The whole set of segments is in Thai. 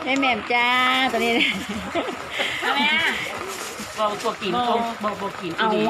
แม่แหม่มจ้าตัวนี้แม่บอกตัวกินบอกกิน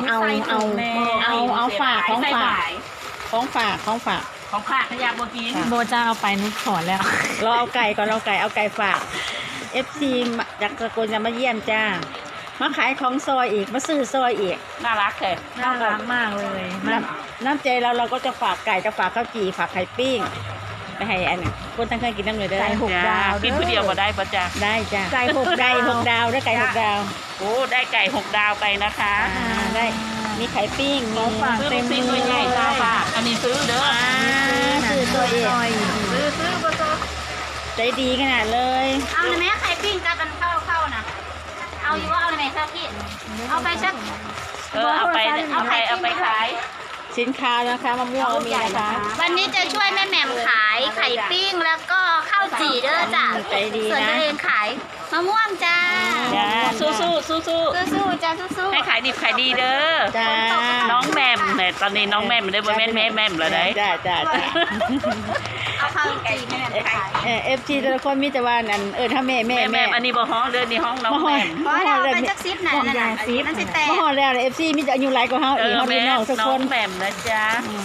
เอาฝากของฝากของฝากขยะบอกกินโบจะเอาไปนุชถอนแล้วเราเอาไก่ก่อนเอาไก่ฝาก FC จากสกลจะมาเยี่ยมจ้ามาขายของซอยอีกมาซื้อซอยอีกน่ารักเลยน่ารักมากเลยน้ำใจเราก็จะฝากไก่จะฝากข้าวจี่ฝากไข่ปิ้งไปให้อันคนตั้งเคยกินน้ำเลยเด้อไก่6 ดาวกินผู้เดียวก็ได้ปะจ๊ะได้จ้าไก่6 ดาวได้ไก่6 ดาวโอ้ได้ไก่6 ดาวไปนะคะได้มีไข่ปิ้งมีฝากเต็มมือใหญ่ตาฝากอันนี้ซื้อเด้อซื้อตัวเองซื้อปะจ๊ะใจดีขนาดเลยเอาในแม่ไข่ปิ้งกับมันเข้านะเอาอยู่ว่าเอาในแม่ข้าวพี่เอาไปสักเอาไปขายสินค้านะคะมะม่วงมีนะคะวันนี้จะช่วยแม่แหม่มขายไข่ปิ้งแล้วก็ข้าวจี่เด้อจ้ะใจดีนะส่วนตัวเองขายมะม่วงจ้าสู้จ้าสู้ให้ขายดิบขายดีเด้อจ้าน้องแหม่มเนี่ยตอนนี้น้องแหม่มได้บ่แม่แม่แล้วได้จ้าเอาข้าวจี่แม่แหม่มขาย FG แต่ละคนมีแต่ว่านั่นถ้าแม่อันนี้บ่ห้องเด้อนี่ห้องน้องแหม่มเพราะเราไปจักซิปนั่นนั่นสิแต่บ่ฮอดแล้ว FC มีแต่อายุหลายกว่าเฮาอีกเฮาพี่น้องทุกคนน้องแหม่มนะจ๊ะ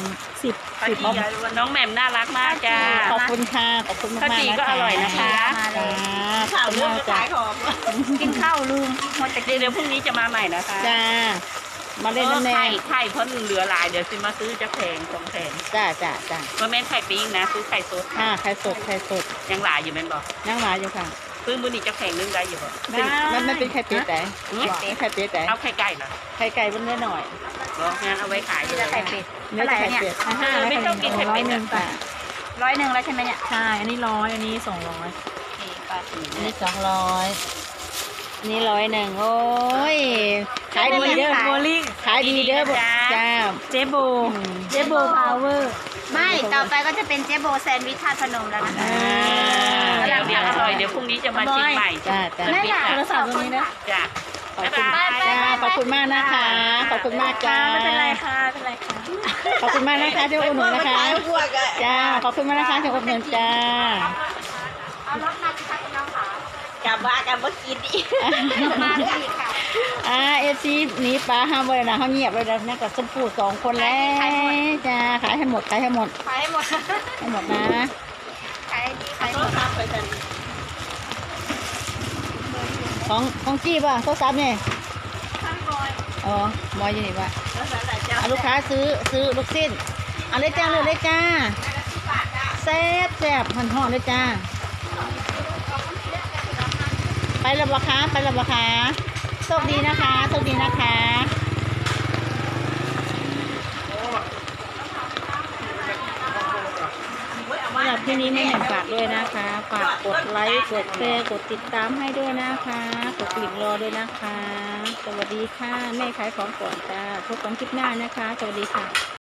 10 น้องแหม่มน่ารักมากจ้าขอบคุณค่ะขอบคุณมากๆนะคะข้าวจี่ก็อร่อยนะคะข่าวเรื่องขายของกินข้าวลืมหมดแต่เดี๋ยวพรุ่งนี้จะมาใหม่นะคะจ้ามาเล่นน้ำแน่ไข่เพราะเหลือหลายเดี๋ยวซื้อมาซื้อจะแพง2 แพงจ้าว่าแม่นไข่ปิ้งนะซื้อไข่สดไข่สดยังหลายอยู่แม่นบอกยังหลายอยู่ค่ะซื้อมื้อนี้จะแพงนึงได้อยู่บ่มันเป็นไข่เป็ดแต่ไข่เป็ดแต่เอาไข่ไก่เหรอไข่ไก่มันเนื้อหน่อยงั้นเอาไว้ขายไข่เป็ดเนื้อไข่เป็ดไม่ต้องกินไข่เป็ด 100แล้วใช่ไหมเนี่ยใช่อันนี้100อันนี้200 อันนี้200นี่100โอ้ยขายดีเด้อโบลิ่งขายดีเด้อจ้าเจโบพาวเวอร์ไม่ต่อไปก็จะเป็นเจ๊โบแซนด์วิชธาตุพนมแล้วนะคะเดี๋ยวอร่อยเดี๋ยวพรุ่งนี้จะมาชิมใหม่จ้าไม่อยากโทรศัพท์ตรงนี้นะจ้าขอบคุณมากนะคะขอบคุณมากจ้าไม่เป็นไรค่ะขอบคุณมากนะคะที่อุดหนุนนะคะจ้าขอบคุณมากนะคะที่อุดหนุนจ้าเอารถมาสิคะคุณน้องค่ะกลับมากินอีกมาอีกค่ะ FC หนีป้าห้ามไว้นะเขาเงียบเลยนะนั่นกับสมปู2 คนแล้วจ้าขายให้หมดนะขายดีขายดีของจี้ป่ะโทรศัพท์เนี่ยอ๋อมอยอยู่นี่ป่ะลูกค้าซื้อลูกชิ้นเอาเลยจ้าเลยจ้าแซ่บห่อนเลยจ้าไปแล้วบ่คะโชคดีนะคะสำหรับที่นี้แม่แหม่มฝากด้วยนะคะฝากกดไลค์กดแชร์กดติดตามให้ด้วยนะคะกดกลิ่งรอด้วยนะคะสวัสดีค่ะแม่ขายของก่อนจ้าพบกันคลิปหน้านะคะสวัสดีค่ะ